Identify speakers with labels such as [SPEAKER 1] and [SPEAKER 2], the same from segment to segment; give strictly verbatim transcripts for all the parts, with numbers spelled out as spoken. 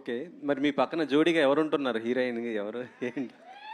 [SPEAKER 1] Okay. మరి మీ పక్కన జోడీగా ఎవరుంటున్నారు? హీరోయిన్ ఎవరు? ఏంటి?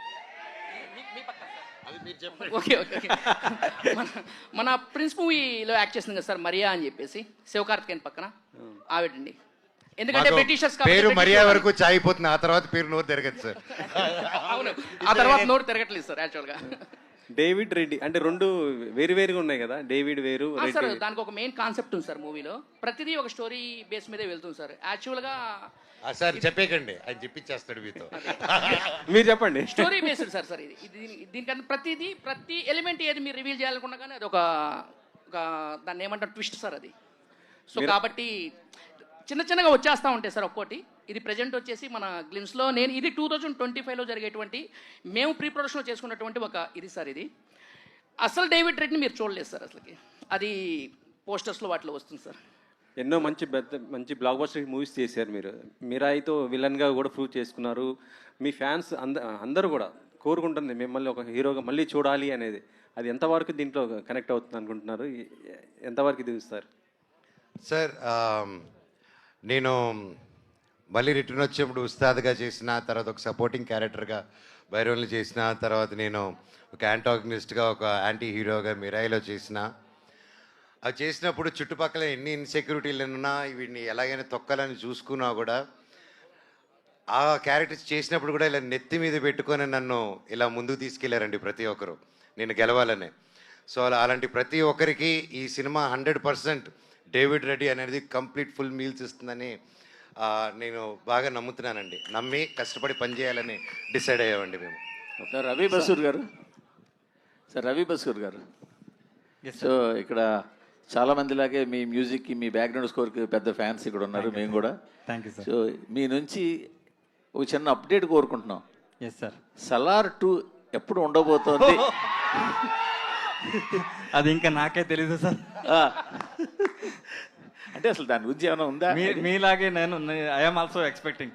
[SPEAKER 2] అది మీరు చెప్పండి.
[SPEAKER 3] Okay okay okay. మన మన ప్రిన్స్ మూవీలో యాక్ట్ చేసింది కదా సార్, మరియా అని చెప్పేసి, శివకార్తికేయన్ పక్కన ఆవిడండి. ఎందుకంటే
[SPEAKER 2] మాకు
[SPEAKER 3] బ్రిటిషర్స్
[SPEAKER 2] పేరు మరియా వరకు చాయిపోతుంది, ఆ తర్వాత పేరు నోరు తిరగదు సార్.
[SPEAKER 3] అవును, ఆ తర్వాత నోరు తిరగట్లేదు సార్ యాక్చువల్గా.
[SPEAKER 1] డేవిడ్ రెడ్డి అంటే రెండు వేరు వేరుగా ఉన్నాయి కదా, డేవిడ్ వేరు
[SPEAKER 3] ఆ సార్,
[SPEAKER 1] రెడ్డి.
[SPEAKER 3] దానికి ఒక మెయిన్ కాన్సెప్ట్ ఉంది సార్ మూవీలో. ప్రతిదీ ఒక స్టోరీ బేస్ మీదే వెళ్తుంది సార్. యాక్చువల్గా
[SPEAKER 2] ఆ సార్ చెప్పేకండి, ఆయన చెప్పించేస్తాడు మీతో.
[SPEAKER 1] మీరు చెప్పండి.
[SPEAKER 3] స్టోరీ బేస్డ్ సార్ సార్ ఇది ఇది దీనికన్నా ప్రతిదీ ప్రతి ఎలిమెంట్ ఏది మీరు రివీల్ చేయాలనుకున్నా కానీ అది ఒక ఒక దాన్ని ఏమంటారు ట్విస్ట్ సార్ అది. సో కాబట్టి చిన్న చిన్నగా వచ్చేస్తూ ఉంటాయి సార్ ఒక్కోటి. ఇది ప్రజెంట్ వచ్చేసి మన గ్లిమ్స్లో నేను ఇది టూ థౌజండ్ ట్వంటీ ఫైవ్లో జరిగేటువంటి మేము ప్రీ ప్రొడక్షన్లో చేసుకున్నటువంటి ఒక ఇది సార్. ఇది అసలు డేవిడ్ రెడ్ని మీరు చూడలేదు సార్ అసలుకి. అది పోస్టర్స్లో వాటిలో వస్తుంది సార్.
[SPEAKER 1] ఎన్నో మంచి పెద్ద మంచి బ్లాక్ బస్టర్ మూవీస్ చేశారు మీరు. మీరాయితో విలన్గా కూడా ప్రూవ్ చేసుకున్నారు. మీ ఫ్యాన్స్ అంద అందరూ కూడా కోరుకుంటుంది మిమ్మల్ని ఒక హీరోగా మళ్ళీ చూడాలి అనేది. అది ఎంతవరకు దీంట్లో కనెక్ట్ అవుతుంది అనుకుంటున్నారు? ఎంతవరకు దిగుస్తారు
[SPEAKER 2] సార్? నేను మళ్ళీ రిటర్న్ వచ్చినప్పుడు ఉస్తాద్గా చేసిన తర్వాత ఒక సపోర్టింగ్ క్యారెక్టర్గా భైరవుల్ని చేసిన తర్వాత నేను ఒక యాంటాగనిస్ట్గా ఒక యాంటీ హీరోగా మిరాయిలో చేసిన. అది చేసినప్పుడు చుట్టుపక్కల ఎన్ని ఇన్సెక్యూరిటీలు ఉన్నా వీడిని ఎలాగైనా తొక్కాలని చూసుకున్నా కూడా ఆ క్యారెక్టర్స్ చేసినప్పుడు కూడా ఇలా నెత్తి మీద పెట్టుకొని నన్ను ఇలా ముందుకు తీసుకెళ్లారండి ప్రతి ఒక్కరు, నేను గెలవాలని. సో అలా అలాంటి ప్రతి ఒక్కరికి ఈ cinema hundred percent David Reddy అనేది కంప్లీట్ ఫుల్ మీల్స్ ఇస్తుందని నేను బాగా నమ్ముతున్నానండి. నమ్మి కష్టపడి పనిచేయాలని డిసైడ్ అయ్యామండి మేము.
[SPEAKER 4] సార్ రవి బసూర్ గారు సార్ రవి బసూర్ గారు సో ఇక్కడ చాలా మందిలాగే మీ మ్యూజిక్కి మీ బ్యాక్గ్రౌండ్ స్కోర్కి పెద్ద ఫ్యాన్స్ ఇక్కడ ఉన్నారు. మేము కూడా
[SPEAKER 5] థ్యాంక్ యూ సార్.
[SPEAKER 4] సో మీ నుంచి ఒక చిన్న అప్డేట్ కోరుకుంటున్నాం.
[SPEAKER 5] Yes sir.
[SPEAKER 4] సలార్ టూ ఎప్పుడు ఉండబోతోంది?
[SPEAKER 5] అది ఇంకా నాకే తెలీదు సార్.
[SPEAKER 4] అంటే అసలు దాని గురించి ఏమైనా ఉందా?
[SPEAKER 5] మీ మీలాగే నేను I'm also expecting.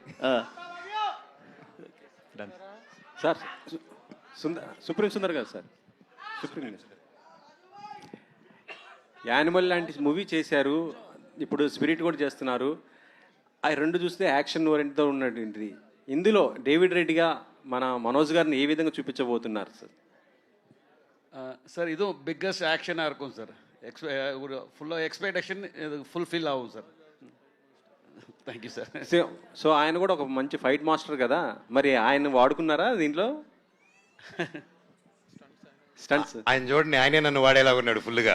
[SPEAKER 1] Sir Sundar supreme Sundar గారు సార్, సుప్రీం యానిమల్ లాంటి మూవీ చేశారు, ఇప్పుడు స్పిరిట్ కూడా చేస్తున్నారు. ఆ రెండు చూస్తే యాక్షన్ ఓరియంట్తో ఉన్నటువంటిది. ఇందులో డేవిడ్ రెడ్డిగా మన మనోజ్ గారిని ఏ విధంగా చూపించబోతున్నారు సార్?
[SPEAKER 6] சார் இதுவும் பிக்கஸ்ட் ஆக்ஷனாக இருக்கும் சார். எக்ஸ்பெ ஒரு ஃபுல்லாக எக்ஸ்பெக்டேஷன் இது ஃபுல்ஃபில் ஆகும் sir. Thank you sir.
[SPEAKER 1] So so ఆయన కూడా ఒక మంచి ఫైట్ మాస్టర్ కదా, మరి ఆయన వాడుకున్నారా దీంట్లో? స్టంట్స్
[SPEAKER 2] ఆయన చూడండి, ఆయనే నన్ను వాడేలా ఉన్నాడు ఫుల్గా.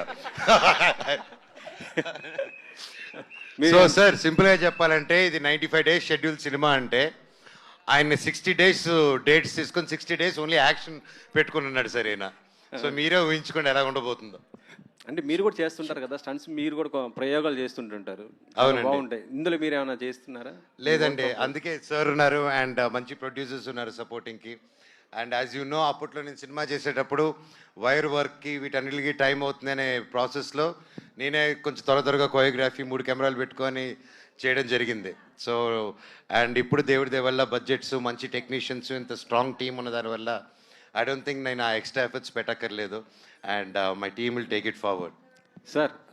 [SPEAKER 2] సో సార్ సింపుల్గా చెప్పాలంటే ఇది ninety five days schedule cinema అంటే ఆయన సిక్స్టీ డేస్ డేట్స్ తీసుకొని సిక్స్టీ డేస్ ఓన్లీ యాక్షన్ పెట్టుకుని ఉన్నాడు సార్ ఈయన. సో మీరే ఊహించుకోండి ఎలా ఉండబోతుందో.
[SPEAKER 1] అంటే మీరు కూడా చేస్తుంటారు కదా స్టంట్స్, మీరు కూడా ప్రయోగాలు చేస్తుంటుంటారు.
[SPEAKER 2] అవునండి,
[SPEAKER 1] బాగుంటాయి. ఇందులో మీరు ఏమైనా చేస్తున్నారా?
[SPEAKER 2] లేదండి, అందుకే సార్ ఉన్నారు అండ్ మంచి ప్రొడ్యూసర్స్ ఉన్నారు సపోర్టింగ్కి. అండ్ యాజ్ యూ నో, అప్పట్లో నేను సినిమా చేసేటప్పుడు వైర్ వర్క్కి వీటన్నిటికి టైం అవుతుంది అనే ప్రాసెస్లో నేనే కొంచెం త్వర త్వరగా కోరియోగ్రఫీ మూడు కెమెరాలు పెట్టుకొని చేయడం జరిగింది. సో అండ్ ఇప్పుడు దేవుడి దయ వల్ల బడ్జెట్స్, మంచి టెక్నీషియన్స్, ఇంత స్ట్రాంగ్ టీమ్ ఉన్న దానివల్ల ఐ డోంట్ థింక్ నేను ఆ ఎక్స్ట్రా ఎఫర్ట్స్ పెట్టక్కర్లేదు. And my team will take it forward.
[SPEAKER 1] Sir